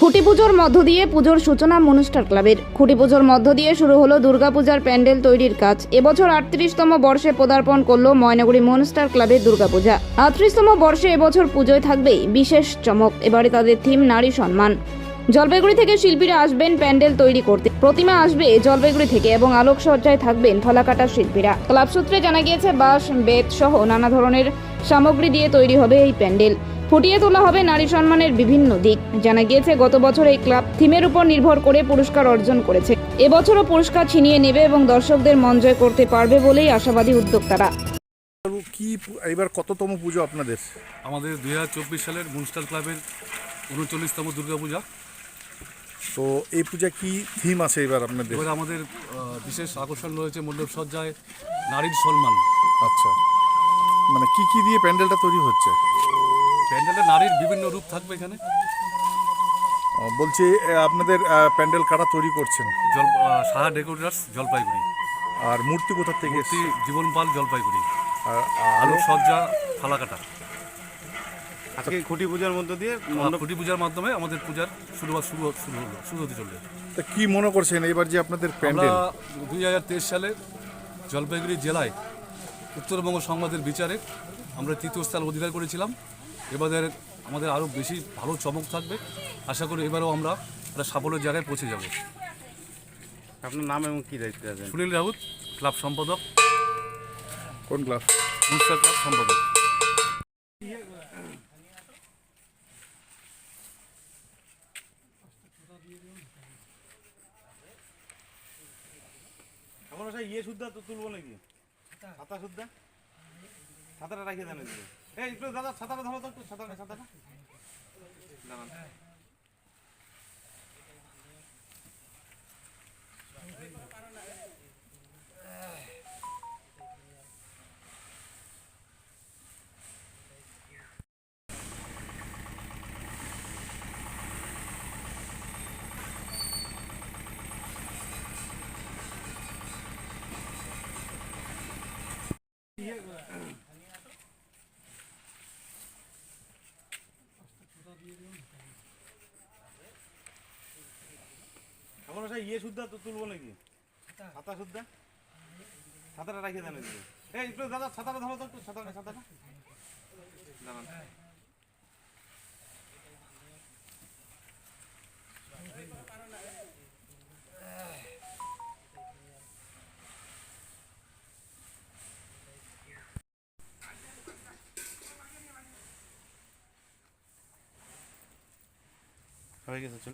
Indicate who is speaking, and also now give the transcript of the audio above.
Speaker 1: খুঁটি পুজোর মধ্য দিয়ে পুজোর সূচনা মনুস্টার ক্লাবের। খুঁটি পুজোর মধ্য দিয়ে শুরু হলো দুর্গাপূজার প্যান্ডেল তৈরির কাজ। এবছর 38তম বর্ষে পদার্পণ করলো ময়নাগুড়ি মনুস্টার ক্লাবের দুর্গাপূজা। 38তম বর্ষে এবছর পুজোয় থাকবে বিশেষ চমক। এবারে তাদের থিম নারী সম্মান। জলপাইগুড়ি থেকে শিল্পীরা আসবেন প্যান্ডেল তৈরি করতে। প্রতিমা আসবে জলপাইগুড়ি থেকে এবং আলোকসজ্জায় থাকবেন ফালাকাটা শিল্পীরা। ক্লাব সূত্রে জানা গিয়েছে বাঁশ, বেত সহ নানা ধরনের সামগ্রী দিয়ে তৈরি হবে এই প্যান্ডেল। ফুটিয়ে তোলা হবে নারী সম্মানের বিভিন্ন দিক। জানা গিয়েছে গত বছর এই ক্লাব থিমের উপর নির্ভর করে পুরস্কার অর্জন করেছে। এবছরও পুরস্কার ছিনিয়ে নেবে এবং দর্শকদের মন জয় করতে পারবে বলেই আশাবাদী উদ্যোক্তারা।
Speaker 2: কি এবার কততম পুজো আপনাদের?
Speaker 3: আমাদের 2024 সালের মনুস্টার ক্লাবের 39তম দুর্গাপূজা।
Speaker 2: তো এই পূজা কি থিম আছে এবার আপনাদের?
Speaker 3: এবার আমাদের বিশেষ আকর্ষণ রয়েছে মণ্ডপ সজ্জায় নারীর সম্মান।
Speaker 2: আচ্ছা, মানে কি কি দিয়ে প্যান্ডেলটা তৈরি হচ্ছে?
Speaker 3: প্যান্ডেলে নারীর বিভিন্ন রূপ থাকবে এখানে।
Speaker 2: বলছি আপনাদের প্যান্ডেল কারা তৈরি করছেন?
Speaker 3: সাহা ডেকোরেটার্স, জলপাইগুড়ি।
Speaker 2: আর মূর্তি কোথা থেকে
Speaker 3: মূর্তি
Speaker 2: এসেছে?
Speaker 3: জীবন পাল, জলপাইগুড়ি।
Speaker 2: আর
Speaker 3: আলোক সজ্জা ফালাকাটা।
Speaker 4: আজকে খুঁটি পূজার মধ্য দিয়ে
Speaker 3: খুঁটি পূজার মাধ্যমে আমাদের পূজার শুরু হতে চলবে।
Speaker 2: তা কি মনে করছেন এবার যে আপনাদের
Speaker 3: আমরা
Speaker 2: প্যান্ডেল?
Speaker 3: 2023 সালে জলপাইগুড়ি জেলায় উত্তরবঙ্গ সংবাদের বিচারে আমরা 3য় স্থান অধিকার করেছিলাম। এবারে আমাদের আরও বেশি ভালো চমক থাকবে। আশা করি এবারেও আমরা একটা সাফল্যের জায়গায় পৌঁছে যাব।
Speaker 4: আপনার নাম এবং কী দায়িত্বে আছেন?
Speaker 3: সুনীল রাউত, ক্লাব সম্পাদক,
Speaker 2: কোন ক্লাব?
Speaker 3: মনুস্টার ক্লাব সম্পাদক।
Speaker 4: এখন ইয়ে সুদ্ধা তো তুলবো নাকি? ছাতা সুদ্ধা ছাতাটা রাখিয়ে দেন। এই একটু দাদা ছাতাটা ধরো তো, একটু ছাতাটা দাঁড়ান। এখন ইয়ে সুদ্ধা তো তুলবো নাকি? ছাতা সুদ্ধা ছাতাটা রাখিয়ে দেন। এই একটু দাদা ছাতাটা ধরো তো, একটু ছাতাটা দাঁড়ান। হয়ে গেছে, চল।